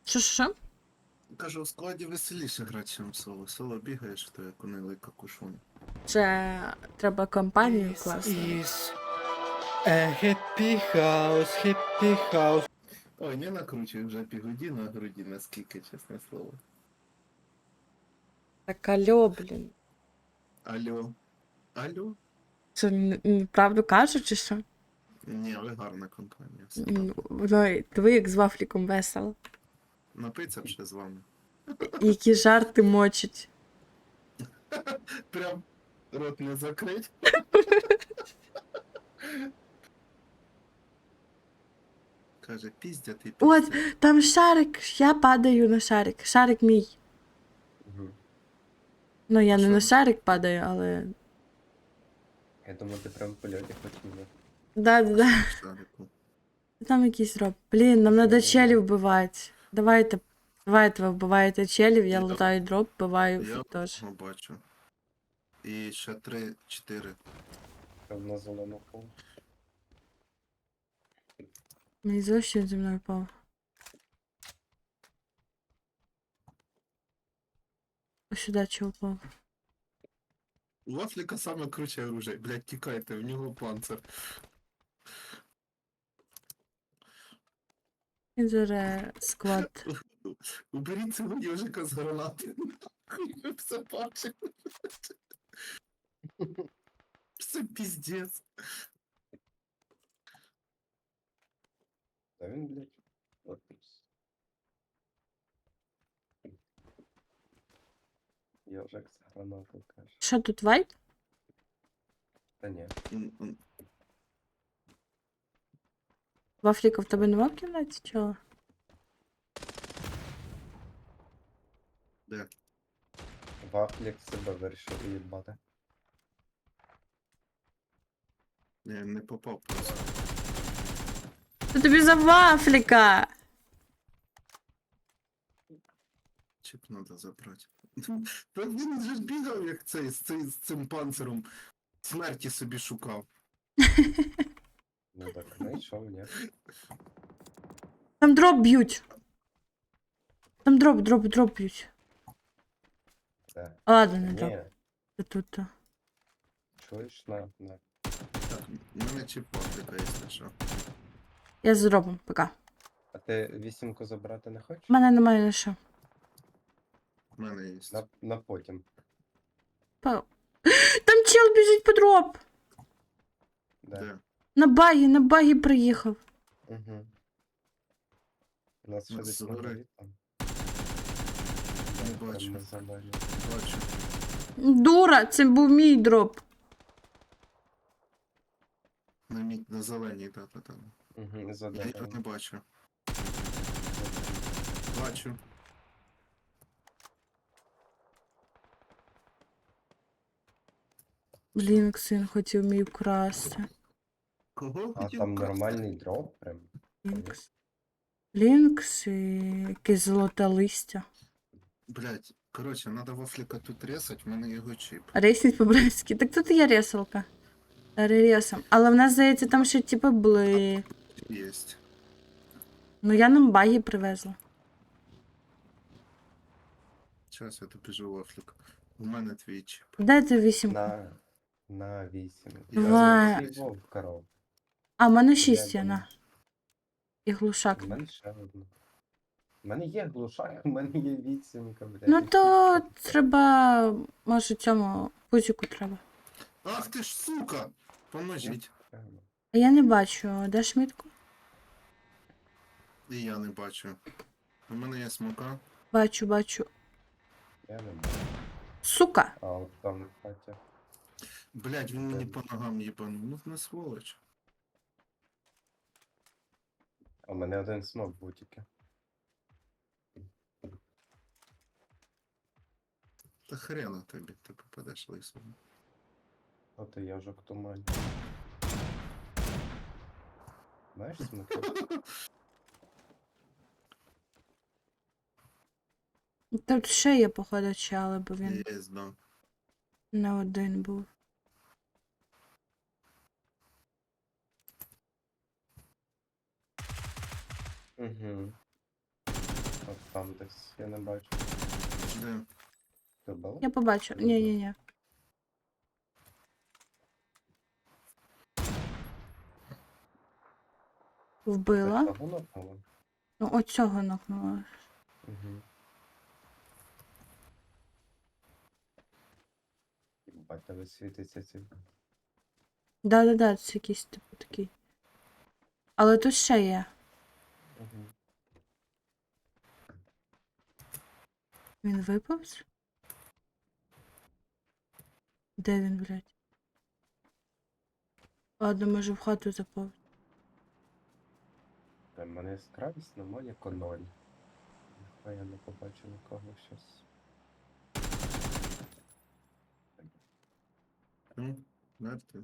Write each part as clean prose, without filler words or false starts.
Що? Кажу, в складі веселіше грати, ніж соло. Соло бігаєш, то як унилий какушон. Це треба компанію класти. Is a happy house. Ой, не накручуй вже півгоді на груді, наскільки, чесне слово. Так алло, блін. Алло. Алло? Що, правду кажуть, чи що? Ні, ви гарна компанія. Все Ну, ви як з вафліком весело. напиться б ще з вами. Які жарти мочать. Прям рот не закрить. Каже, піздяти, От, піздяти. там шарик, я падаю на шарик. Шарик мій. Угу. Ну, я А не що? на шарик падаю, але. Я думаю, ти прям в польоті хотів. Да. Шарику. Там якийсь роб. Блін, нам треба челів вбивати. Давайте ви вбиваєте челів, я Я- лутаю дроп, вбиваю Я теж. його бачу. І ще 3-4. Прям на зелену пол. Мені зовсім зі мною впав. Ось сюди чого впав. У Вафліка саме круче оружие. Блядь, тікайте, в нього панцир. Він зараз склад. Уберіть цього ежика з гранати. Нахуй, ви все бачите. Це піздець. Та він, блядь. От. Йожик з гранатою каже. Що тут вайп? Та ні. Вафліка в тебе нема в кімнаті, чого? Де? Вафлік себе вирішив уїбати. Я не попав просто. Що тобі за вафліка? Чіп треба забрати. Та він же ж бігав, як цей, з цим панциром. Смерті собі шукав. Ну так, знайшов, ні. Там дроп б'ють. Там дроп б'ють. Де? А, ладно, не дроп. Ні, Це тут. чуєш на. Так, в мене чіп Вафліка, якщо що. Я з дропом, пока. А ти вісімку забрати не хочеш? У мене немає на що. В мене є. На потім. Там чел біжить по дроп. Де? На багі приїхав. Угу. У нас ще Нас десь згори. магазин там. Не Прям бачу. на завалі. Бачу. Дура, це був мій дроп. На зеленій, та. Угу, за Я його не деревом. бачу. Бачу. Блін, Ксин хотів мій вкрасти. Кого А хотів там вкрасти? нормальний дроп прям. Лінкс і якесь золоте листя. Блять, короче, надо Вафліка тут ресать, в мене його чіп. Ресніть по-братськи. Так тут є ресалка. Ресам. Але в нас, здається, там ще типу були. Єсть. Ну я нам баги привезла. Зараз я добіжу Вафлік. У мене твій чіп. Де ти 8? На 8. Я Давай. Вов коров. А, в мене 6 Я є, на. І глушак. У мене ще одна. У мене є глушак, у мене є вісімка, блядь. Ну то треба. Може цьому пузику треба. Ах ти ж сука! Поможіть. А я не бачу, де шмітку? І я не бачу. У мене є смока. Бачу. Я не бачу. Сука! А от там в хаті. Блять, він мені по ногам їбанув. Ну не сволоч. А у мене один смок був тільки. Та хрена тобі, ти попадеш лисом. От і яжок тумань. Знаєш смоки? Тут ще є, походу, чали, бо він Є, да. не один був. Угу. От там десь, я не бачу. Де? Ти вбила? Я побачу. Ні. Вбила. Того напала? Ну, оцього нокнула. Угу. Бать, тебе світиться ці. Да, це якийсь типу такий. Але тут ще є. Угу. Він виповз? Де він, блядь? Ладно, може в хату заповз. У мене яскравість на Моніко 0. Ніхуя я не побачу нікого щас. Мертвий.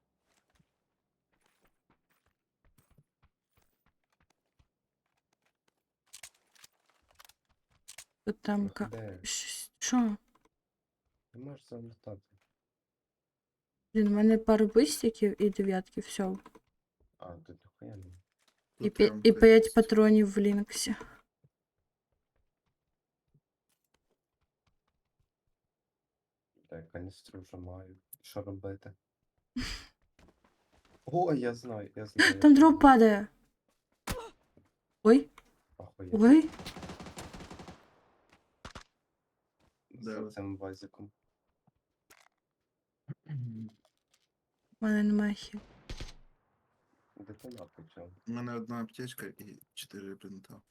Тут там Ох, де? Що? Ти можеш залутати. Блін, у мене пару бистиків і дев'ятки, все. А, тут ніхуя не. І, Тут прям і 5 є. патронів в Лінксі. Я каністру вже маю. Що робити? О, я знаю. Там дроп падає. Ой, Ахуєть. ой. За цим вазиком. У мене немає хіл. Детонат почав. У мене одна аптечка і 4 бинта.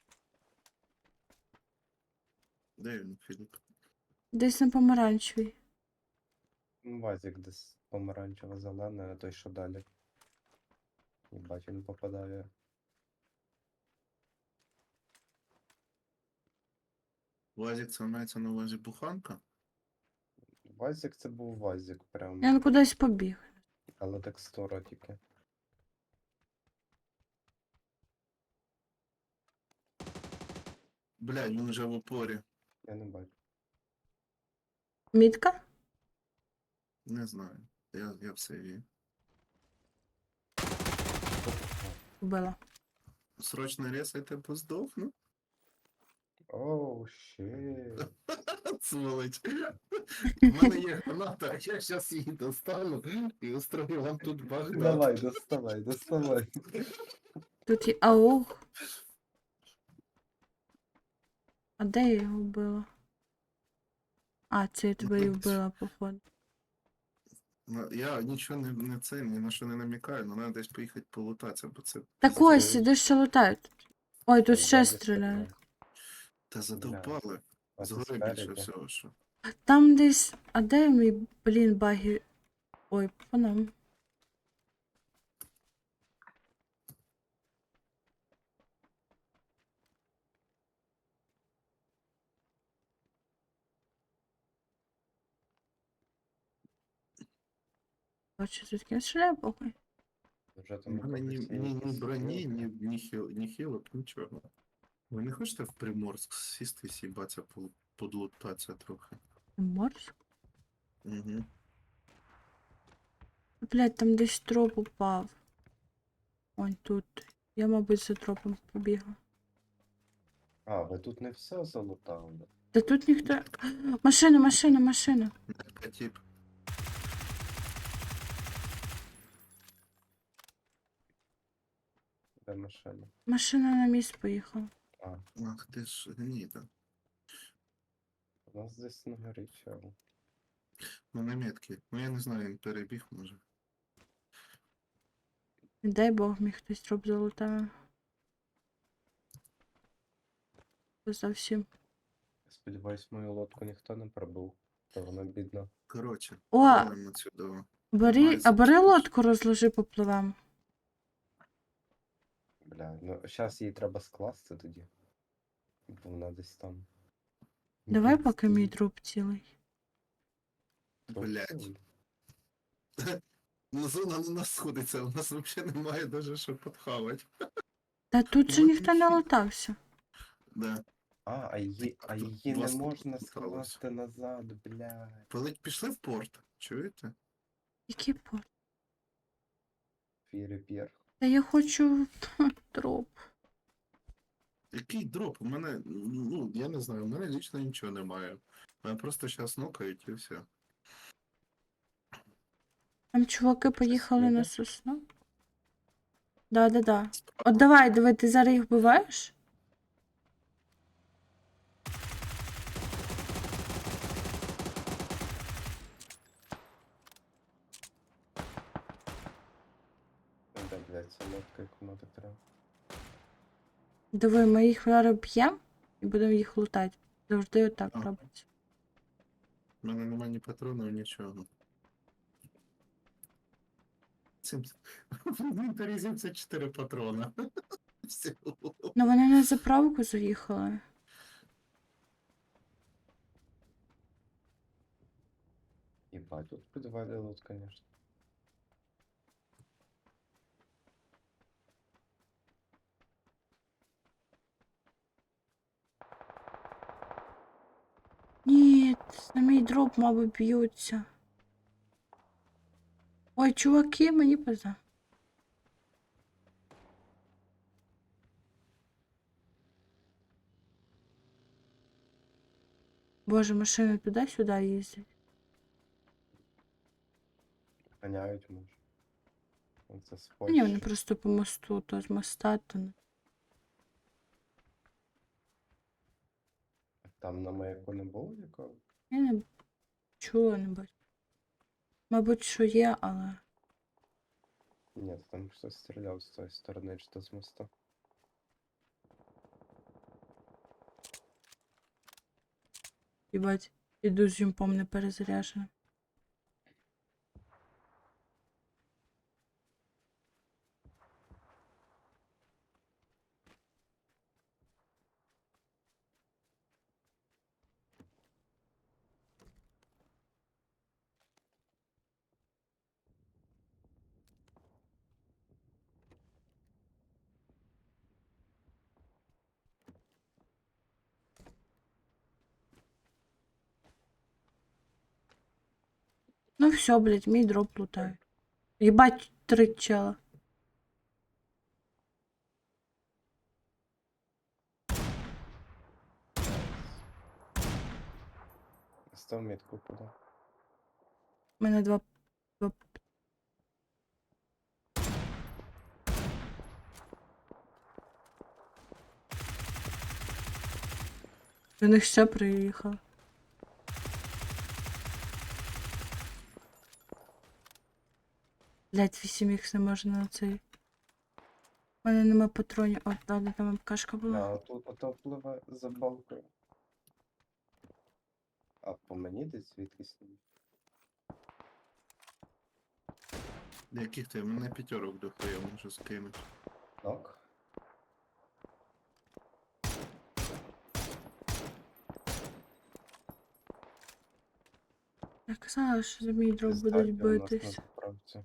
Де він, Філіп? Десь на помаранчевій. Вазик десь помаранчево-зелений, а той що далі. Єбать, він попадає. Вазик, це мається на увазі буханка? Вазик це був вазик прям. Він кудись побіг. Але текстура тільки. Блядь, він вже в опорі. Я не бачу. Мітка? Не знаю. Я все вів. Вбила. Срочно ресайте, бо здохну. Оу, щит. Сволоч. У мене є граната, а я зараз її достану і устрою вам тут Багдад. Давай, доставай. Тут є аух. А де я його вбила? А, це я тебе і вбила, походу. Я нічого ні на що не намікаю, але треба десь поїхати полутатися, бо це... Так ось, іди ще лутають. Ой, тут ще стріляють. Та задовбали. А це Згори більше спереді. всього, що. Там десь. А де мій, блін, баги? Ой, по нам. Бачу, тут кінь стріляє, похуй. Вже У там мене ні якось броні, є. ні хілок, нічого. Ви не хочете в Приморськ сісти і сібатися, подлутатися трохи? Морж? Угу. Блядь, там десь троп упав. Ой, тут. Я, мабуть, за тропом побігла. А, ви тут не все залутали. Та тут ніхто. Машина. Тип. Де машина? Машина на місць поїхала. А, Ах ти ж гніда. у нас десь на горі чел. Ну на метки. Ну я не знаю, він перебіг може. Не дай Бог, міг хтось троп залутав. Зовсім. Сподіваюсь, мою лодку ніхто не пробив. То вона бідна. Коротше, О! валимо сюди. Бери лодку, розложи, попливем. Бля, ну зараз їй треба скласти тоді. Бо вона десь там. Давай Десь поки мій стоїть. труп цілий. Труп Блядь. цілий. Ну зона на нас сходиться, у нас взагалі немає даже що подхавати. Та тут же Ну, ніхто не ніхі. лутався. Да. А її не Вас можна тут скласти назад, бля. Пішли в порт, чуєте? Який порт? Фіріпір. Та я хочу труп. Який дроп? У мене, ну, я не знаю, у мене лічно нічого немає. Мене просто зараз нокають і все. Там чуваки Щось поїхали на їде? сосну. Да. От давай, диви, ти зараз їх вбиваєш? Де, блядь, ця нотка, яку надо треба. Диви, ми їх зараз б'ємо і будемо їх лутати. Завжди отак Ага. робиться. У мене немає ні патронів, нічого. Цим... В інвентарі 74 патрона. Все. Ну вони на заправку заїхали. Ебать, тут підвалилось, конечно. Ні, на мій дроп, мабуть, б'ються. Ой, чуваки, мені пизда. Боже, машини туди-сюди їздять. Ганяють, може. Це з Та ні, вони Польщі. просто по мосту, то з моста, то не. Там на маяку не було нікого? Я не чула, не бачу. Мабуть, що є, але. Ні, там хтось стріляв з тої сторони, чи то з моста. Їбать, іду з юмпом не перезаряженим. Ну все, блядь, мій дроп лутаю. Єбать, 3 чела. Став метку куди. У мене два. До них ще приїхав. Блять, 8х не можна на цей. У мене нема патронів. О, да, там МКшка була. А, тут ото впливе за балкою. А по мені десь звідкись? Яких ти? Мене п'ятерок дохуя можу скинути. Нок? Я казала, що за мій дроп Пізда, будуть де у нас на битись. заправці.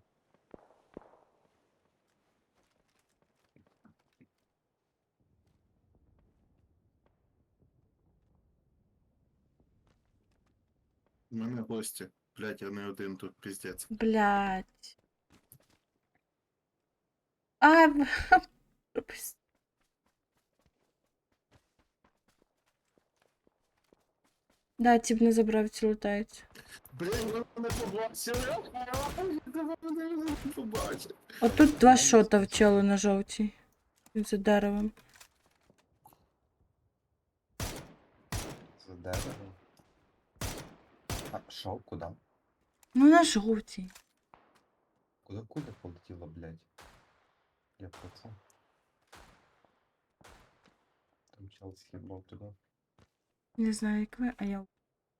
У мене гості. Блять, я не один тут, піздець. Блять. А, пропусти. Да, тип не забрав, ці лутаються. Блять, ви мене побачили. Ви мене побачили. Отут два шота в челу на жовтій. Він за деревом. За деревом. А, шо? Куди? Ну на жовтій. Куди полетіло, блядь? Я про це. Там чел схибав туди. Не знаю, як ви, а я.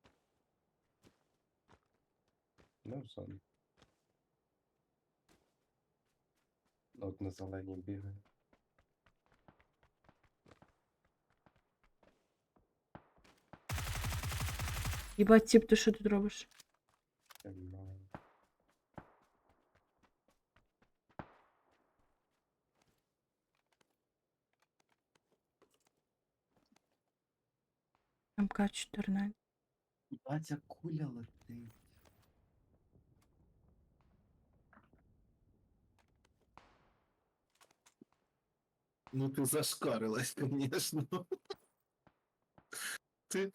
Ну, в зоні. Ну, от на зеленій бігає. Єбать, тип, ти що тут робиш? Я не знаю. МК-14. А ця куля летить. Ну ти зашкарилась, звісно. Ти.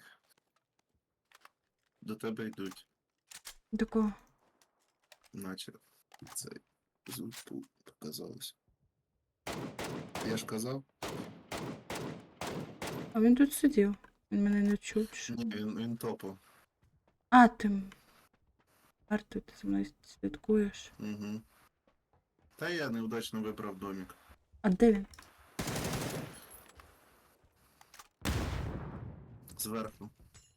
До тебе йдуть, До кого? наче цей звук показалось. Я ж казав, А він тут сидів. Він мене не чув. чи що? ні, він топав. А, ти. Арту, ти за мною слідкуєш. Угу. Та я неудачно вибрав домик. А де він? Зверху.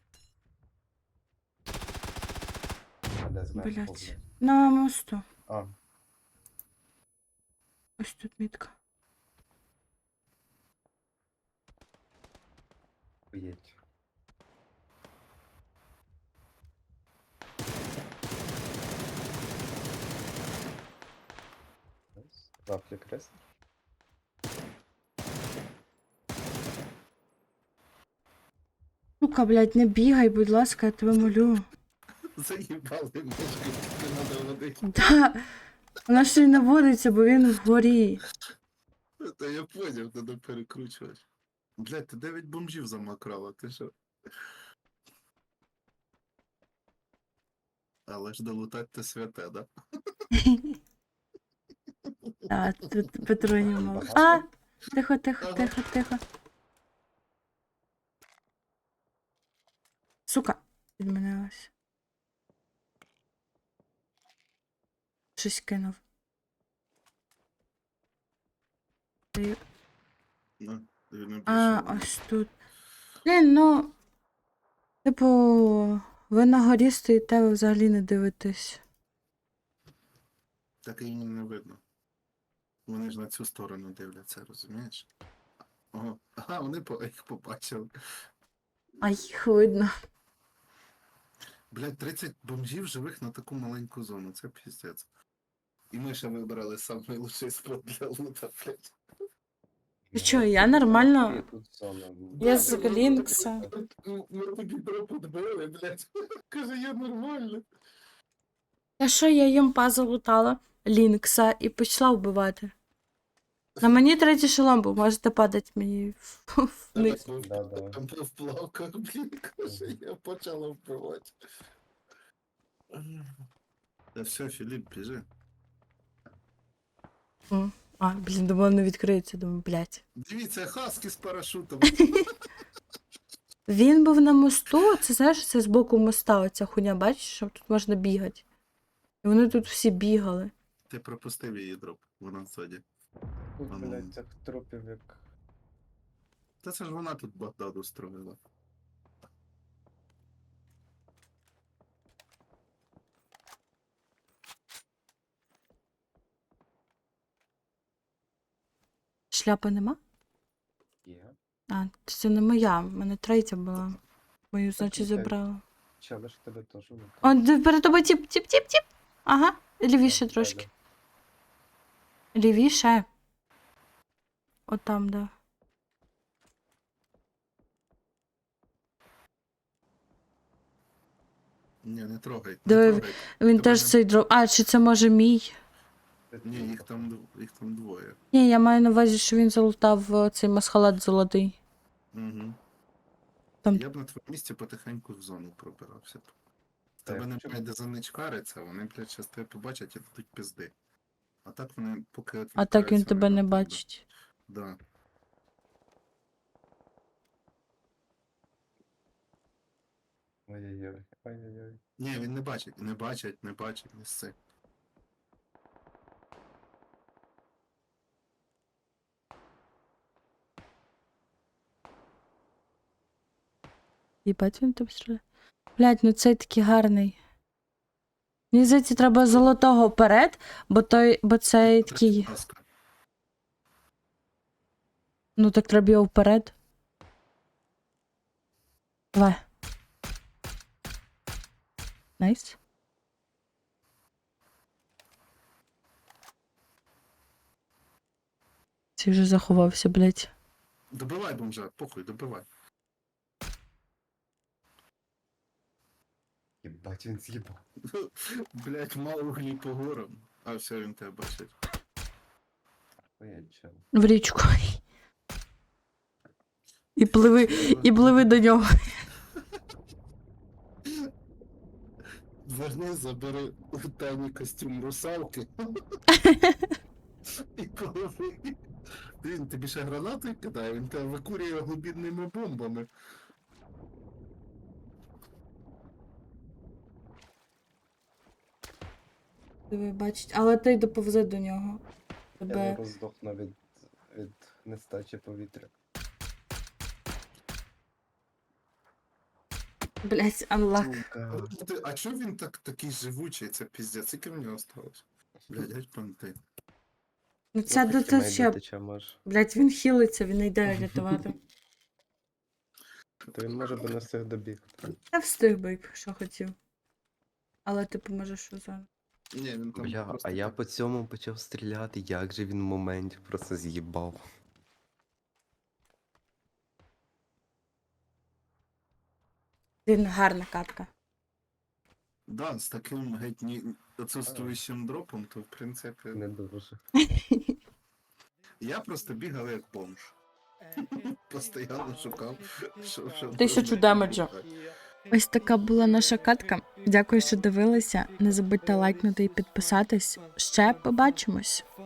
А де зверху, Блять. блядь? На мосту. А, Ось тут мітка. поїдь. Вафлі кресло. Сука, блядь, не бігай, будь ласка, я тебе молю. Заїбали мишки, тільки надо водити. Да. Вона ще й наводиться, бо він вгорі. Та я поняв, треба перекручувати. Блядь, ти 9 бомжів замакрала, ти що? Але ж долутать те святе, да? А, тут патронів мало. Багато? А! Тихо, тихо, Ага. тихо, тихо. Сука, відмінилась. Щось кинув. Ти- Ну, він обійшов. А, ось тут. Блін, ну. Типу, ви на горі стоїте, ви взагалі не дивитесь. Так і їм не видно. Вони ж на цю сторону дивляться, розумієш? Ого. Ага, вони їх побачили. А їх видно. Блядь, 30 бомжів живих на таку маленьку зону, це піздець. І ми ще вибрали самий лучший спот для лута, блядь. Ти чо, я нормально- І тут зона. Я з Глінкса. Ми тобі дропу дбили, блядь. Каже, я нормально. Та що я їм залутала Лінкса і почала вбивати. На мені третій шолом був, можете падати мені вниз. Да-да. Там в плавках, блін, каже, я почала вбивати. Та все, Філіп, біжи. А, блін, думала, не відкриється, думаю, блядь. Дивіться, хаски з парашутом. Він був на мосту, це знаєш, це з боку моста, оця хуйня, бачиш, що тут можна бігати. І вони тут всі бігали. Ти пропустив її дроп, вона ззаді. Тут, А ну. блядь, цих трупів як... Та це ж вона тут Багдаду строїла. Шляпи нема? Є. А, це не моя, в мене третя була. Мою, значить, окей. забрала. Чали ж тебе теж викликав. О, перед тобою тіп, тіп, тіп, тіп. Ага, лівіше трошки. Лівіше. От там, да. Ні, не трогай. Диви, Не трогай. Він Тебе теж не- цей дров. А, чи це може мій? Ні, їх там двоє. Ні, я маю на увазі, що він залутав цей масхалат золотий. Угу. Там- Я б на твоєму місці потихеньку в зону пробирався б. В Так, тебе чому? немає де заничкариться, вони, блядь, щас тебе побачать і дадуть пизди. А так вони поки А так він відвертаються, тебе вони не на тебе. бачить. Да. Ой-ой-ой. Ой-ой-ой. Ні, він не бачить, не сси. Їбать, він тебе стріляє. Блять, ну цей такий гарний. Мені здається, треба золотого вперед, бо цей такий. Ласка. Ну так треба його вперед. Давай. Найс. Цей вже заховався, блять. Добивай бомжа, похуй, добивай. Єбать, він з'їбав. Блять, мало углі по горам. А все, він тебе бачить. Ой, чел. В річку. І пливи до нього. Верни, забери у Тані костюм русалки. І пливи. Він тобі ще гранати кидає, він тебе викурює глибідними бомбами. Диви, бачить, але ти доповзе до нього. Я Тебе... зараз здохну від нестачі повітря. Блять, анлак. Сука. А чого він такий живучий? Це піздець, скільки в нього осталось? Блядь, геть понти. Ну ця Ну, тут ще... тече може. Блять, він хилиться, він не йде рятувати. То він може би не встиг добігти. Я встиг би, що хотів. Але ти поможеш що зараз. Ні, він там Бля, просто а я так. по цьому почав стріляти, як же він в моменті просто з'їбав. Він гарна катка. Да, з таким геть отсутствуючим дропом, то в принципі. Не дуже. Я просто бігав як бомж. Постоянно шукав, що 1000 демеджа. Ось така була наша катка. Дякую, що дивилися. Не забудьте лайкнути і підписатись. Ще побачимось.